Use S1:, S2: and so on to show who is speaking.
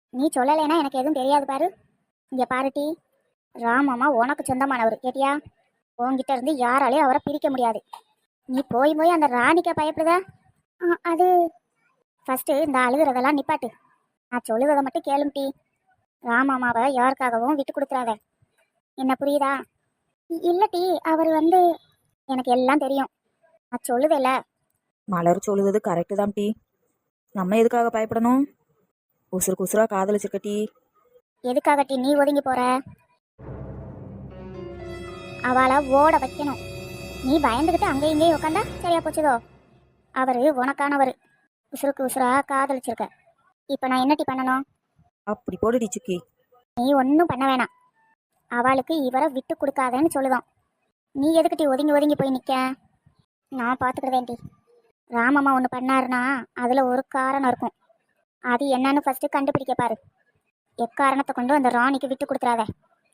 S1: நீ சொல்லலைன்னா எனக்கு எதுவும் தெரியாது பாரு. இங்கே பாருட்டி, ராமம்மா உனக்கு சொந்தமானவர் கேட்டியா? உன்கிட்ட இருந்து யாராலையும் அவரை பிரிக்க முடியாது. நீ போய் போய் அந்த ராணிக்க பயப்படுதா? அது ஃபஸ்ட்டு இந்த அழுகிறதெல்லாம் நிப்பாட்டு. நான் சொல்லுவதை மட்டும் கேளும்டி. ராமம்மாவை யாருக்காகவும் விட்டு கொடுத்துறாத. என்ன புரியுதா? இல்லட்டி அவர் எனக்கு எல்லாம் தெரியும். நான் சொல்லுவேல.
S2: மலர் சொல்லுவது கரெக்டு தான் டீ. நம்ம எதுக்காக பயப்படணும்? உசுருக்கு உசுரா காதலிச்சிருக்க டீ.
S1: எதுக்காகட்டி நீ ஒதுங்கி போற? அவளை ஓட வைக்கணும். நீ பயந்துக்கிட்டு அங்கேயும் இங்கேயும் உட்காந்தா சரியா போச்சுதோ? அவரு உனக்கானவர். உசுருக்கு உசுரா காதலிச்சிருக்க. இப்போ நான் என்னட்டி பண்ணணும்?
S2: அப்படி போடுடி சுக்கி.
S1: நீ ஒன்றும் பண்ண வேணாம். அவளுக்கு இவரை விட்டு கொடுக்காதேன்னு சொல்லுதான். நீ எதுக்கிட்டி ஒதுங்கி ஒதுங்கி போய் நிற்க? நான் பார்த்துக்கிறதேன்டி. ராமம்மா ஒன்று பண்ணாருன்னா அதில் ஒரு காரணம் இருக்கும். அது என்னன்னு ஃபஸ்ட்டு கண்டுபிடிக்க பாரு. எக்காரணத்தை கொண்டு அந்த ராணிக்கு விட்டு கொடுத்துறாத.